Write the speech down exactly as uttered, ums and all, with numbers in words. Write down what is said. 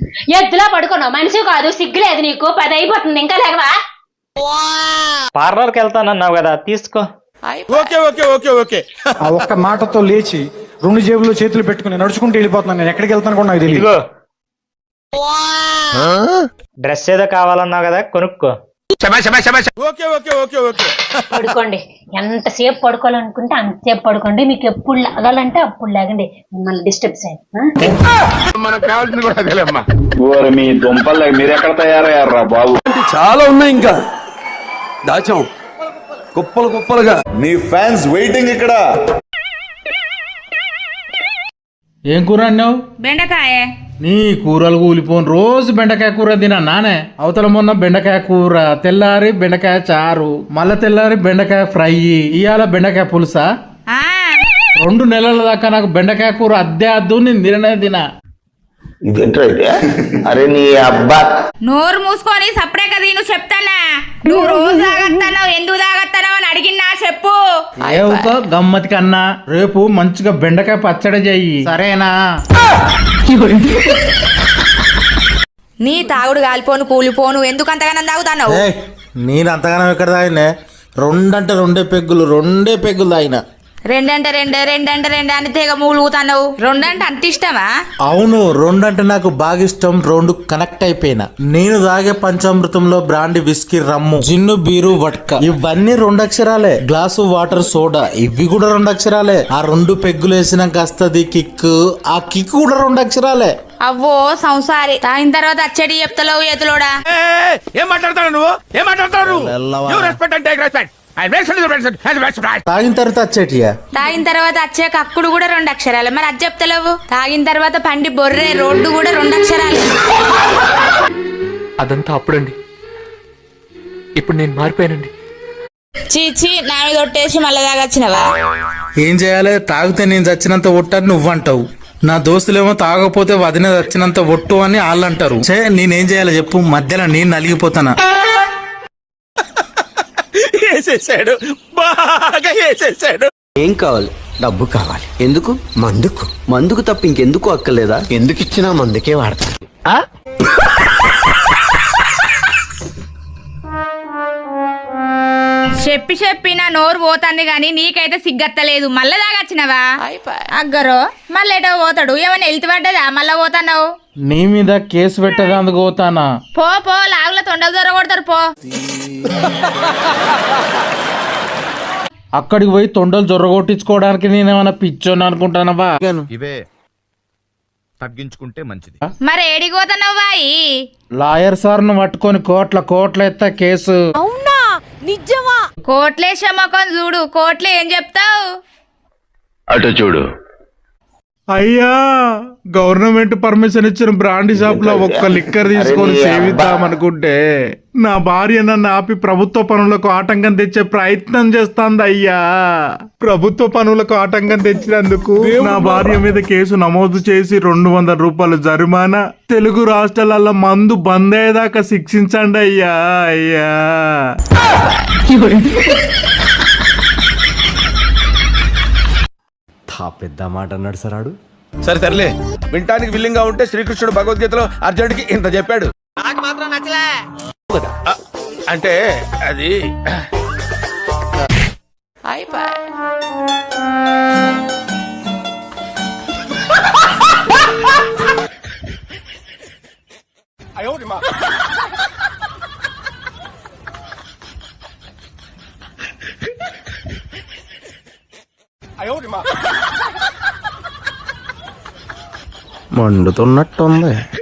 ఎద్దులా పడుకున్నావు, మనిషి కాదు, సిగ్గులేదు నీకు. పది అయిపోతుంది, ఇంకా లేవా? పార్లర్కి వెళ్తానన్నావు కదా, తీసుకో. Okay okay okay okay. ఆ ఒక్క మాటతో లేచి రెండు జేబుల్లో చేతులు పెట్టుకుని నడుచుకుంటూ వెళ్ళిపోతున్నాను. నేను ఎక్కడికి వెళ్తాను కూడా నాకు తెలియదు. డ్రెస్ ఏదో కావాలన్నావు కదా, కొనుక్కో. Okay okay okay okay. పడుకోండి, ఎంతసేపు పడుకోవాలనుకుంటే అంతసేపు పడుకోండి. మీకు ఎప్పుడు లాగాలంటే అప్పుడు లాగండి, మిమ్మల్ని డిస్టర్బ్ చేయండి. మనకు కావాల్సింది కూడా అదేలేమ్మా. మీ దుంపల్ మీరు ఎక్కడ తయారయ్యారా బాబు? చాలా ఉన్నాయి, ఇంకా దాచాం కుప్పలు కుప్పలుగా. నీ ఫ్యాన్స్ వెయిటింగ్ ఇక్కడ. ఏం కూర అన్నావు? బెండకాయ. నీ కూరలు కూలిపోను, రోజు బెండకాయ కూర తినా నానే. అవతల మొన్న బెండకాయ కూర, తెల్లారి బెండకాయ చారు, మళ్ళా తెల్లారి బెండకాయ ఫ్రై, ఇవాళ బెండకాయ పులుసా. రెండు నెలల దాకా నాకు బెండకాయ కూర అద్దె అద్దు, నేను తిననే తినా. అరే నీ అబ్బా, నోరు మూసుకొని సప్పుడే కదా నువ్వు చెప్తానా. నువ్వు రోజు తాగత్తావు, ఎందుకు తాగత్తావు అని అడిగినా చెప్పు. ఏవుకో గమ్మతి కన్నా, రేపు మంచిగా బెండకాయ పచ్చడి చెయ్యి, సరేనా? నీ తాగుడు కాలిపోను కూలిపోను, ఎందుకు అంతగానం తాగుతావు? నేను అంతగానం ఎక్కడ తాగినా? రెండంటే రెండే పెగ్గులు, రెండే పెగ్గులు తాగిన. రెండంటే రెండే రెండంటే రెండే అని తెగ మూలుగుతావు. రెండంటే అంత ఇష్టమా? అవును, రెండంటే నాకు బాగా ఇష్టం. రెండు కనెక్ట్ అయిపోయినా. నేను తాగే పంచామృతంలో brandy, whisky, rum, gin, beer, vodka ఇవన్నీ రెండు అక్షరాలే. గ్లాసు వాటర్, సోడా ఇవి కూడా రెండు అక్షరాలే. ఆ రెండు పెగ్గులు వేసినాక వస్తుంది కిక్, ఆ కిక్ కూడా రెండు అక్షరాలే. అవ్వో సంసారి, తాగిన తర్వాత అచ్చడి చెప్తలేవు ఎతులోడా. ఏం మాట్లాడతాడు నువ్వు? ఏం మాట్లాడతాడు నువ్వు? రెస్పెక్ట్ అంటే రెస్పెక్ట్. తాగిన తర్వాత వచ్చేటియా? తాగిన తర్వాత వచ్చే కక్కుడు కూడా రెండు అక్షరాలు, మరి అది చెప్తలేవు. తాగిన తర్వాత పండి బొర్రె రోడ్డు కూడా రెండు అక్షరాలు. అదంతా అప్పుడండి, ఇప్పుడు నేను మారిపోయానండి. చీచి, నా మీద ఒట్టేసి మళ్ళీ తాగొచ్చినవా? ఏం చేయాలి? తాగితే నేను చచ్చినంత ఒట్టని నువ్వంటావు, నా దోస్తులేమో తాగకపోతే వదిన చచ్చినంత ఒట్టు అని వాళ్ళు అంటారు. చే నేనేం చేయాలి చెప్పు? మధ్యలో నేను నలిగిపోతానా? వేసేసాడు, బాగా వేసేసాడు. ఏం కావాలి? డబ్బు కావాలి. ఎందుకు? మందుకు. మందుకు తప్ప ఇంకెందుకు అక్కర్లేదా? ఎందుకు ఇచ్చినా మందుకే వాడతాను. చెప్పి చెప్పి నా నోరు పోతాంది గాని నీకైతే సిగ్గత్తలేదు. మళ్ళా దాగచ్చినవా? అగ్గరో మళ్ళీ ఏటో పోతాడు. ఏమన్నా ఎల్తి పడ్డదా? మళ్ళా పోతాన్నావు. నీ మీద కేసు పెట్టేందుకు పోతానా? పో పో, లాగుల తొండలు దొర కొడతారు పో. అక్కడికి పోయి తొండలు జొర్రగొట్టించుకోవడానికి నేనేమన్నా పిచ్చోని అనుకుంటానవా? ఇవే తగ్గించుకుంటే మంచిది. మరి ఏడికి పోతున్నావు బాయి? లాయర్ సార్ ను పట్టుకొని కోట్ల కోట్ల ఎత్త కేసు. అవునా? నిజమా? కోట్లేసే మొఖం చూడు, కోట్లు ఏం చెప్తావు? అటు చూడు. అయ్యా, గవర్నమెంట్ పర్మిషన్ ఇచ్చిన బ్రాండీ షాప్ లో ఒక్క లిక్కర్ తీసుకొని సేవిద్దాం అనుకుంటే నా భార్య నన్ను ఆపి ప్రభుత్వ పనులకు ఆటంకం తెచ్చే ప్రయత్నం చేస్తాంది. అయ్యా, ప్రభుత్వ పనులకు ఆటంకం తెచ్చినందుకు నా భార్య మీద కేసు నమోదు చేసి రెండు వందల రూపాయలు జరిమానా, తెలుగు రాష్ట్రాలలో మందు బంద్ అయ్యేదాకా శిక్షించండి అయ్యా. అయ్యా పెద్ద మాట అన్నాడు సరాడు. సరే సర్లే, వినటానికి విల్లింగ్ గా ఉంటే శ్రీకృష్ణుడు భగవద్గీతలో అర్జునుడికి ఇంత చెప్పాడు. నాకు మాత్రం నచ్చలే అంటే అది మండుతున్నట్టుంది.